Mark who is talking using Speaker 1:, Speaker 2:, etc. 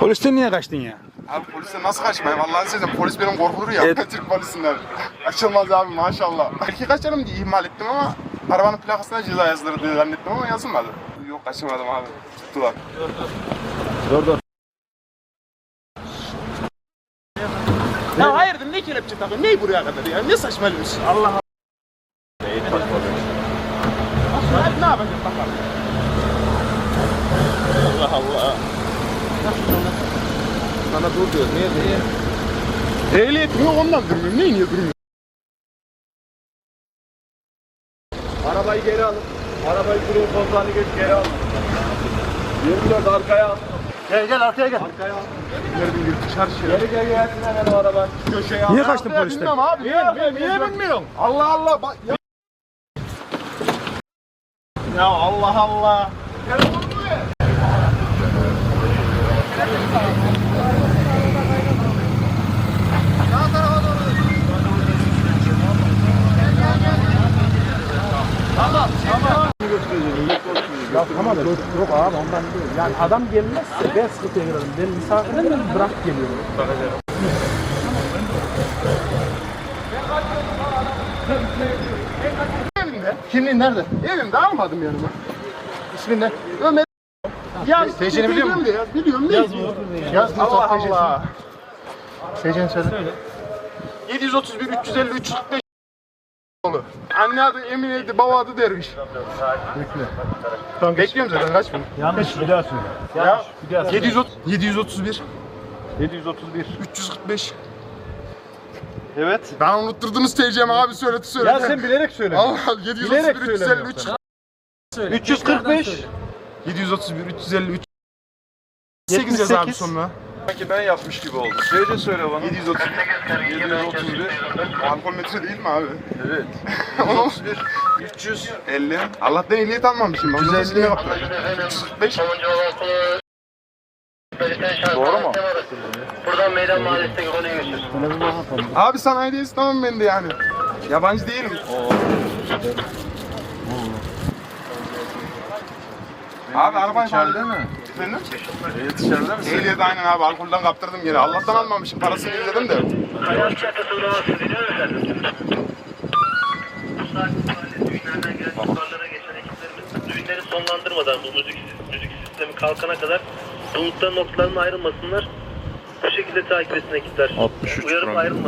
Speaker 1: Polisten niye kaçtın ya?
Speaker 2: Abi polisten nasıl kaçmayayım? Vallahi size polis benim korkulur ya.
Speaker 1: Evet.
Speaker 2: Türk polisinden. Açılmaz abi maşallah. Belki kaçarım diye ihmal ettim ama arabanın plakasına ceza yazılır diye zannettim ama yazılmadı. Yok kaçırmadım abi. Tuttular.
Speaker 1: Dur.
Speaker 3: Ya hayırdır ne kelepçe takıyorsun? Neyi buraya kadar ya? Ne saçmalıyorsun? Allah Allah.
Speaker 1: Neyi saçmalıyorsun?
Speaker 3: Hadi ne yapacağız bakalım. Allah Allah.
Speaker 1: Sana dur diyor. Niye?
Speaker 3: Ehliyetim yok ondan durmuyorum. Niye durmuyorum?
Speaker 1: Arabayı geri alın. Arabayı duruyor, koltuğunu geç geri alın. 24 arkaya al.
Speaker 3: Gel arkaya gel.
Speaker 1: Arkaya al.
Speaker 3: Nereden girdik çarşıya?
Speaker 1: Geri gelsin hemen o araba. Köşeye al.
Speaker 3: Niye kaçtın polisten? Bilmiyorum abi.
Speaker 1: Niye bilmiyorum?
Speaker 3: Allah Allah. Bak ya. Ya Allah Allah.
Speaker 4: Ya tamam yok abi ondan değil. Yani adam gelmezse ben sıkıntıya girerim. Ben misafirim bırak geliyorum.
Speaker 3: Evimde. Kimliğin nerede? Evimde almadım yanıma. İsmin ne? Ömer. Yaz.
Speaker 4: TC'ni biliyor musun?
Speaker 3: Biliyorum. Yaz mı? Yaz. Allah Allah. TC'ni söyle. 731 350 345 oğlu. Anne adı Emine'ydi, baba adı Derviş. Bekle. Tamam bekliyorum zaten kaç bin?
Speaker 4: Yanlış bir daha söyle.
Speaker 3: Ya
Speaker 4: Bir daha söyle.
Speaker 3: 731
Speaker 1: 731.
Speaker 3: 345.
Speaker 1: Evet.
Speaker 3: Ben unutturdunuz TC'mi abi söyledi.
Speaker 1: Ya sen bilerek söyle.
Speaker 3: Allah 731 353
Speaker 1: 345.
Speaker 3: 731 353 8 yaz abi sonuna.
Speaker 2: Sanki ben yapmış gibi oldu.
Speaker 1: Şeyde söyle bana.
Speaker 2: 731. Alkol metre değil mi abi?
Speaker 1: Evet.
Speaker 2: 731. 350. Allah'tan ehliyet almamışım. 350. 345.
Speaker 1: Doğru mu?
Speaker 5: Buradan Meydan Mahallesi'ne konuyu götür.
Speaker 2: Abi sanayideyiz tamam ben de yani. Yabancı değilim. Abi araban
Speaker 1: İçeride mi?
Speaker 2: Efendim?
Speaker 1: İçeride misin?
Speaker 2: Ehliyet aynen abi alkolden kaptırdım gene. Allah'tan almamışım parasını ödedim de.
Speaker 5: Hayat çatısı uğraması biliyor musun? Bu saat düğünlerden gelen ihbarlara geçen ekiplerimiz düğünleri sonlandırmadan bu müzik sistemi kalkana kadar bulutların noktalarına ayrılmasınlar. Bu şekilde takip etsin ekipler.
Speaker 1: 63
Speaker 5: Uyarıp
Speaker 1: program.
Speaker 5: ayrılmasın.